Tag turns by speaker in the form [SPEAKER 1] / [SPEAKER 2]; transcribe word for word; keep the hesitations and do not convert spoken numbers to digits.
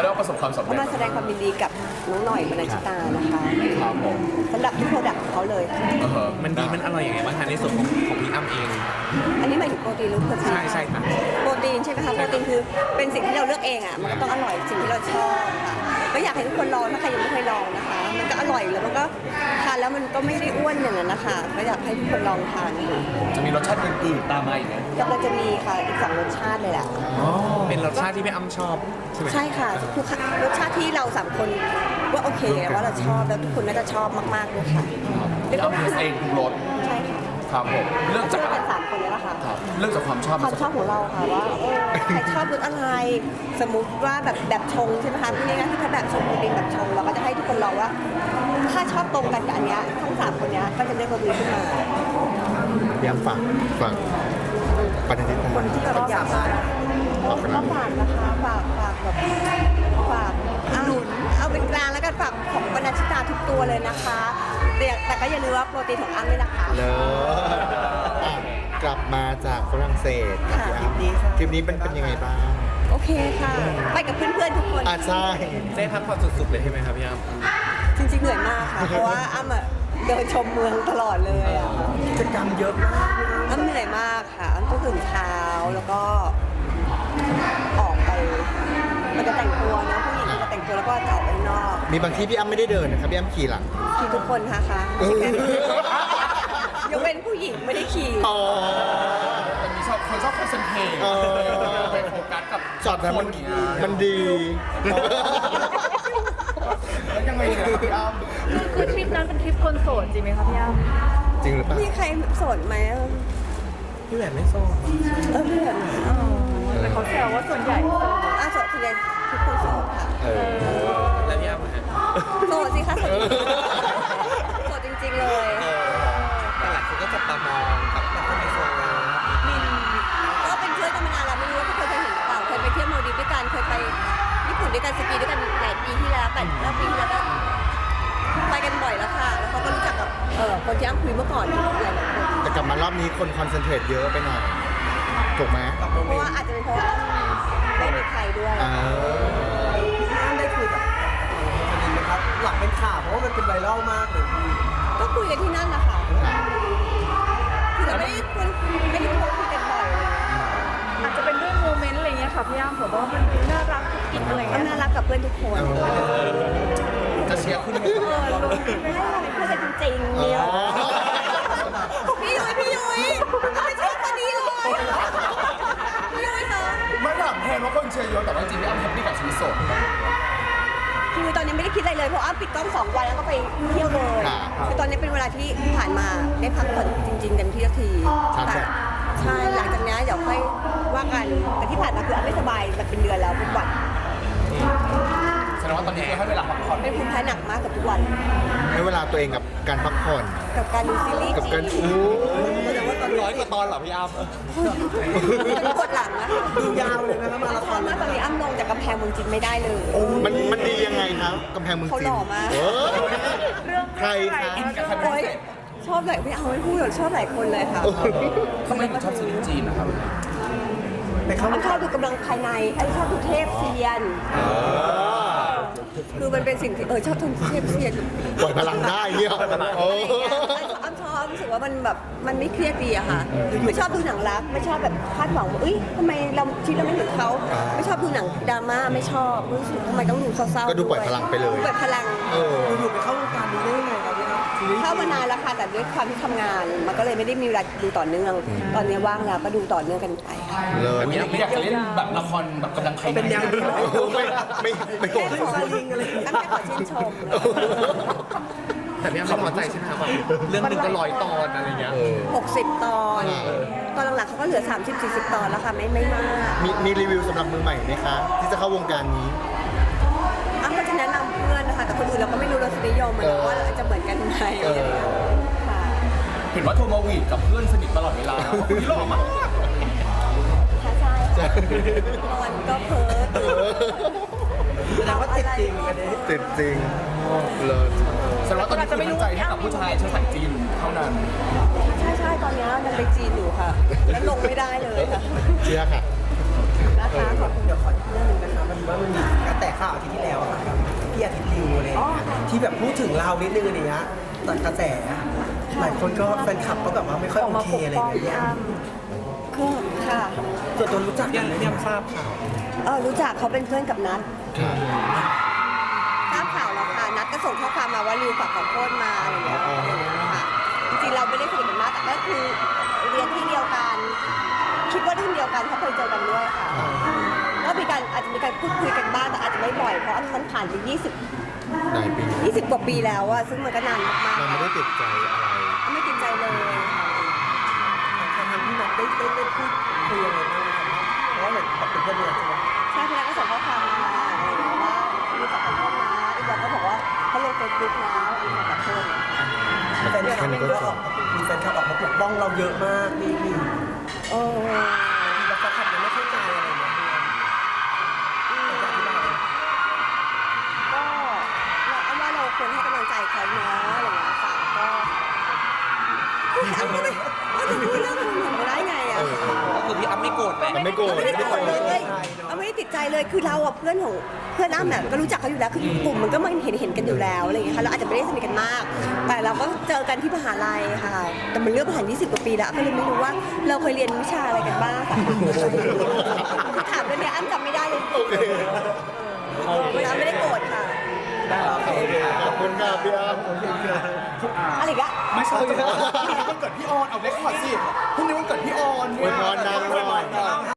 [SPEAKER 1] เรียกว่าประสบความสำเร็จ
[SPEAKER 2] ก็มาแสดงความยินดีกับน้องหน่อยบรรณชิตานะคะ
[SPEAKER 1] ครับผม
[SPEAKER 2] สำหรับทุกโปรดักต์ของเขาเลย
[SPEAKER 1] เออ
[SPEAKER 3] มันดีมันอร่อยยังไงบ้างคะในส่วนของของพี่อ้ำเอง
[SPEAKER 2] อันนี้หมายถึงโปรตีนหรือโปรตีน
[SPEAKER 3] ใช่ใช่ค่ะ
[SPEAKER 2] โปรตีนใช่ไหมคะโปรตีนคือเป็นสิ่งที่เราเลือกเองอ่ะมันก็ต้องอร่อยสิ่งที่เราชอบค่ะก็อยากให้ทุกคนลองถ้าใครยังไม่เคยลองนะคะ มันก็อร่อยแล้วมันก็ทานแล้วมันก็ไม่ได้อ้วนอย่างนั้นนะคะก็อยากให้ทุกคนลองทานดู
[SPEAKER 1] จะมีรสชาติอื่นๆตามมาอีกไหม
[SPEAKER 2] กำลังจะมีค่ะอีกสองรสชาติเลยแหละ
[SPEAKER 3] เป็นรสชาติที่พี่อ้ำชอบใช่ไหม
[SPEAKER 2] ใช่ค่ะทุกรสชาติที่เราสามคนว่าโอเคว่าเราชอบแล้วทุกคนน่าจะชอบมากๆเลยค่ะ
[SPEAKER 1] พี่อ้ำเลือกเองทุกรส
[SPEAKER 2] ใช่ค่ะ
[SPEAKER 1] ครับผมเลือก
[SPEAKER 2] ช่
[SPEAKER 1] จาก
[SPEAKER 2] วยกันสามคนนี้แหละค่ะ
[SPEAKER 1] ครับเลือกจากความชอบ
[SPEAKER 2] ความชอบของเราค่ะว่าเออใครชอบรสอะไร สมมุติว่าแบบแบบชงใช่ไหมคะพี่นี่นะที่ถ้าแบบชงเป็นแบบชงเราก็จะให้ทุกคนลองว่า ถ้าชอบตรงกันกับอันเนี้ยทั้งสามคนเนี้ยก็จะได้รสนี้ขึ้นมา
[SPEAKER 4] พี่อ้ำฝากฝากปฏิทิน
[SPEAKER 2] คนที่แบบอยากมาก็ฝากนะคะฝากฝากแบบฝากหนุนเอาเป็นกลางแล้วกันฝากของบรรณชิตาทุกตัวเลยนะคะแต่แต่ก็อย่าลืมว่าโปรตีนของอ้ำด้วยนะคะ
[SPEAKER 4] เลยอ่ะกลับมาจากฝรั่งเศสกับพี่อ้ำทริปนี้เป็นเป็นยังไงบ้าง
[SPEAKER 2] โอเคค่ะ ไปกับเพื่อนๆทุกคน
[SPEAKER 4] อ่ะใช่
[SPEAKER 3] ได้พักผ่อนสุดๆเลยใช่ไหมครับพี่อ้ำ
[SPEAKER 2] จริงๆเหนื่อยมากค่ะ เพราะว่าอ้ำอะเดินชมเมืองตลอดเลยอะ
[SPEAKER 5] กิจกรรมเยอะมาก
[SPEAKER 2] อ้ำเหนื่อยมากค่ะอ้ำต้องตื่นเช้าแล้วก็ออกไป มันจะแต่งตัวนะผู้หญิงมันจะแต่งตัวแล้วก็จะออกไปข้างนอก
[SPEAKER 4] มีบางที่พี่อ้ำไม่ได้เดินนะครับพี่อ้ำขี่หลัง
[SPEAKER 2] ขี่ทุกคนค่ะค่ะยกเว้นผู้หญิงไม่ได้ขี่
[SPEAKER 4] อ๋อ
[SPEAKER 1] แต่มีชอบคนชอบคอนเซนเทรต
[SPEAKER 4] เออ
[SPEAKER 1] ไปโฟกัสกับ
[SPEAKER 4] จอดนั้นมัน
[SPEAKER 1] คอย่างเงี้ย
[SPEAKER 4] มันดี
[SPEAKER 1] แล้วยังไงเนี่ยพี่อ้ำ
[SPEAKER 6] คือทริปนั้นเป็นทริปคนโสดจริงไหมคะพี่อ้ำ
[SPEAKER 4] จริงหรือเปล่า
[SPEAKER 2] มีใครโสดไหม
[SPEAKER 3] พี่แหวนไม่โซ่
[SPEAKER 2] เออเพื่อน
[SPEAKER 6] อ๋อแต่เขาแซวว่าส่วนใหญ่โสด
[SPEAKER 2] อ่ะโสดส่วนใหญ่ทุกคนโสดค่ะ
[SPEAKER 4] เออ
[SPEAKER 3] แล้วพี่อ้ำอะฮะ
[SPEAKER 2] โสดสิคะโสดโสดจริงๆเลย
[SPEAKER 3] แต่หลายคนก็จับตามองกับแบบคนไฮโซ
[SPEAKER 2] ก็เป็นเพื่อนกันมานานแล้วไม่รู้ว่าทุกคนเคยเห็นหรือเปล่าเคยไปเที่ยวมาลดีฟด้วยกันเคยไปญี่ปุ่นด้วยกันสกีด้วยกันหลายปีที่แล้วแปดเก้าปีที่แล้วก็ไปกันบ่อยแล้วค่ะ แล้วเขาก็รู้จักกับเออคนที่อ้ำคุยเมื่อก่อนหลายๆคน
[SPEAKER 4] แต่กลับมารอบนี้คนคอนเซนเทรตเยอะไปหน่อย ถูกไหม
[SPEAKER 2] เพราะว่าอาจจะเป็นเพราะว่าอ้ำไม่มีใครด้วย
[SPEAKER 4] อ่า
[SPEAKER 5] พี่อ้ำได้คุยกับคนนี้ไหมครับ หลังเป็นข่าวเพราะว่ามันเป็นไวรัลมากเลย
[SPEAKER 2] ก็คุยกันที่นั่นนะคะคือเราไม่ได้คุยไม่ได้คุยกันบ่อยเลย
[SPEAKER 6] อาจจะเป็นด้วยโมเมนต์อะไรเงี้ยค่ะพี่อ้ำผมว่ามันดูน่ารักกุ๊กกิ๊กอะไร
[SPEAKER 2] อ้ำ
[SPEAKER 6] เงี้ย
[SPEAKER 2] น่ารักกับเพื่อนทุกคน
[SPEAKER 1] จะเชียร์คุณ
[SPEAKER 2] เออลงไม่ได้เป็นเพื่อนกันจริงๆเนี่ยพี่ยุ้ยพี่ยุ้ยไม่ชอบคนนี้เลยพี่ยุ้ยคะ
[SPEAKER 1] ไม่ถามแทนว่าคนเชียร์เยอะแต่ว่าจริงๆพี่อ้ำแฮปปี้กับชีวิตโสด
[SPEAKER 2] คือตอนนี้ไม่ได้คิดอะไรเลยเพราะอ้ำปิดกล้องสองวันแล้วก็ไปเที่ยวเลยคือตอนนี้เป็นเวลาที่ผ่านมาได้พักผ่อนจริงๆกันที่ทีแต่ใช่หลังจากนี้เดี๋ยวค่อยว่ากันแต่ที่ผ่านมาคืออ้ำไม่สบายแบบเป็นเดือนแล้วเป็นหวัด
[SPEAKER 1] แสดงว่าตอนนี้คือให้เวลาพักผ่อน
[SPEAKER 2] เป็นภูมิแพ้หนักมากกับทุกวัน
[SPEAKER 4] ให้เวลาตัวเองกับการพักผ่อน
[SPEAKER 2] กับการดูซีรีส์
[SPEAKER 4] กับการ
[SPEAKER 2] จีน
[SPEAKER 4] อู้
[SPEAKER 3] แต่ว่าตอนร้อยกว่าตอนเหรอพี่อ้ำ
[SPEAKER 2] มันปวดหลังอะ
[SPEAKER 5] ดูยาวเลยนะครับมาราธ
[SPEAKER 2] ต
[SPEAKER 5] อ
[SPEAKER 2] อน
[SPEAKER 5] น
[SPEAKER 2] นี้ตอนนี้อ้ำลงจากกำแพงเมืองจีนไม่ได้เลย
[SPEAKER 4] มันมันดียังไงครับกำแพงเมือง
[SPEAKER 2] เขา
[SPEAKER 4] จี
[SPEAKER 2] ห
[SPEAKER 4] น
[SPEAKER 2] ล่อมาก
[SPEAKER 4] โอ้
[SPEAKER 6] เรื่อง
[SPEAKER 4] ใครคะ
[SPEAKER 2] โอ๊ยชอบหลายไม่เอาไม่พูดหรอกชอบหลายคนเลยค่ะ
[SPEAKER 1] ทำไมถึงชอบซีรีส์จีนนะครับ
[SPEAKER 5] ไปเข้า
[SPEAKER 2] อ้ำชอบดูกำลังภายในอ้ำชอบดูเทพเซียน คือมันเป็นสิ่งที่เออชอบทำเทพเซียน
[SPEAKER 4] ปล่อยพลังได้เงี้ยโอ้
[SPEAKER 2] อ้ำชอบรู้สึกว่ามันแบบมันไม่เครียดดีอะค่ะ ไม่ชอบดูหนังรัก ไม่ชอบแบบคาดหวังว่าเอ้ยทำไมเราชีวิตเราไม่เหมือนเขา ไม่ชอบดูหนังดราม่าไม่ชอบรู้สึกทำไมต้องดูเศร้าๆ
[SPEAKER 4] ก็ดูปล่อยพลังไปเลย
[SPEAKER 2] ปล่อยพลัง
[SPEAKER 4] เออ
[SPEAKER 5] อยู่ๆไปเข้าวงการนี้ได้ยังไงครับพี่อ้ำซีรีส์
[SPEAKER 2] เข้ามานานแล้วค่ะแต่ด้วยความที่ทำงาน มันก็เลยไม่ได้มีเวลาดูต่อเนื่อง ตอนนี้ว่างแล้วก็ดูต่อเนื่องกันไป
[SPEAKER 4] เลย
[SPEAKER 1] ไม่อยากจะเล่นแบบละครแบบกำลังใคร
[SPEAKER 5] เป็นยัง
[SPEAKER 4] ไม่ไม่ไม่โกรธ
[SPEAKER 2] แค่ขอตั้งแต่ขอชื่นชม
[SPEAKER 3] แต่พี่อ้ำไม่พอใจใช่ไหมครับว่าเรื่องหนึ่งก็ร้อยตอนอะไรเงี้ย
[SPEAKER 4] เออ
[SPEAKER 2] หกสิบตอน ตอนหลังๆเขาก็เหลือ สามสิบสี่สิบ ตอนแล้วค่ะ ไม่ไม่มาก
[SPEAKER 4] มีมีรีวิวสำหรับมือใหม่ไหมคะ ที่จะเข้าวงการนี้
[SPEAKER 2] อ้ำก็จะแนะนำเพื่อนนะคะ แต่คนอื่นเราก็ไม่รู้รสนิยมมันว่าจะเหมือนกันไหมอะไรอย่างเงี้ยค่ะ
[SPEAKER 1] เห็นว่าโทรมาวีดกับเพื่อนสนิทตลอดเวลาคุณนี่หล่อมาก
[SPEAKER 2] ใช่ใช่ค่ะนอนก็เพ้อตื่น
[SPEAKER 5] แสดงว่าติดจริงกันนี้
[SPEAKER 4] ติดจริงเลย
[SPEAKER 1] แสดงว่าตอนนี้คือตั้งใจให้กับผู้ชายเชื้อสายจีนเท่านั้น
[SPEAKER 2] ใช่ใช่ตอนนี้ยังไปจีนอยู่ค่ะ แล้วลงไม่ได้เลยค่ะ
[SPEAKER 4] เชื่อค่ะ
[SPEAKER 2] นะคะขอบคุณ
[SPEAKER 5] เดี๋ยวขออีกเรื่องหนึงนะคะมันว่ามันมีกระแสข่าวอาทิตย์ที่แล้วอะค่ะกับพี่อาทิตย์ริวอะไรอย่างเงี้ยที่แบบพูดถึงเรานิดนึงอะไรเงี้ยตัดกระแสหลายคนก็แฟนคลับก็แบบว่าไม่ค่อย
[SPEAKER 6] ออก
[SPEAKER 5] โอ
[SPEAKER 6] มา
[SPEAKER 5] เค
[SPEAKER 6] ปก
[SPEAKER 5] อะไร
[SPEAKER 6] ป้อง
[SPEAKER 5] อย่าง
[SPEAKER 6] พี่
[SPEAKER 5] เงี้ย
[SPEAKER 6] อ้ำ
[SPEAKER 2] คือค่ะ
[SPEAKER 5] ส่วนตัวรู้จักกันไหมเนี่ยทราบข่าว
[SPEAKER 2] เออรู้จักเขาเป็นเพื่อนกับนัท
[SPEAKER 4] ค่ะ
[SPEAKER 2] ทราบข่าวแล้วค่ะนัทก็ส่งข้อความมาว่าริวฝากขอโทษมาอะไรอย่างเงี้ยอะไรอย่างเงี้ยค่ะจริงๆเราไม่ได้สนิทกันมากแต่ก็คือเรียนที่เดียวกัน คิดว่ารุ่นเดียวกันเพราะเคยเจอกันด้วยค่ะก็มีการอาจจะมีการพูดคุยกันบ้างแต่อาจจะไม่บ่อยเพราะมันผ่านไปยี่สิบ
[SPEAKER 4] หลายปี
[SPEAKER 2] ยี่สิบกว่าปีแล้วอะซึ่งมันก็นานมาก
[SPEAKER 4] เราไม่ได้ติดใจอะไร
[SPEAKER 2] ๆไม่ติดใจเลยค่ะ
[SPEAKER 5] ทางพี่นัทได้ได้ได้พูดคุยอะไรบ้างไหมครับเพราะว่าเหมือนแบบเป็นเพื่อนกันใช่ไหม
[SPEAKER 2] ใช่พี่นัทก็ส่งข้อความมาอะไรอย่างเงี้ยว่ามีฝากขอโทษนะอีกอย่างก็บอกว่าเขาลงเฟซบุ๊กนะอันนี้ฝากขอโทษ
[SPEAKER 5] แฟนคลับก็ออกมีแฟนคลับออกมาปกป้องเราเยอะมากนี่นี่
[SPEAKER 2] เออ
[SPEAKER 5] บางทีแฟนคลับยังไม่เข้าใจอะไรอย่างเงี้ยพี่จะอธิบาย
[SPEAKER 2] ก็เราเอาว่าเราควรให้กำลังใจเขาเนาะอะไรอย่างเงี้ยค่ะก็เอาไม่ได้เอาจะพูดเรื่องอื่นมาได้ไงอะ
[SPEAKER 3] ก็คือพี่อ้ำไม่โกรธไหม
[SPEAKER 4] มันไม่โกรธ
[SPEAKER 2] ไม่ได้ติดใจเลยเอาไม่ได้ติดใจเลยคือเราอะเพื่อนของเพื่อนอ้ำเนี่ยก็รู้จักเขาอยู่แล้วคือกลุ่มมันก็มันเห็นเห็นกันอยู่แล้วอะไรอย่างเงี้ยค่ะเราอาจจะไม่ได้สนิทกันมาก แต่เราก็เจอกันที่มหาลัยค่ะ แต่มันเรื่องผ่านยี่สิบกว่าปีแล้วก็เลยไม่รู้ว่าเราเคยเรียนวิชาอะไรกันบ้างค่ะถามเรื่องเนี้ยอ้ำจำไม่ได้เลยอ้ำไม่ได้โกรธค่ะ
[SPEAKER 4] ขอบคุณค่ะพี่อ้ำ
[SPEAKER 2] อะไรอีกอะ
[SPEAKER 1] ไม่ใช่พรุ่งนี้วันเกิดพี่ออนเอาเล็กขอดสิพรุ่งนี้วันเกิดพี่ออน
[SPEAKER 4] อวยพรนางหน่อย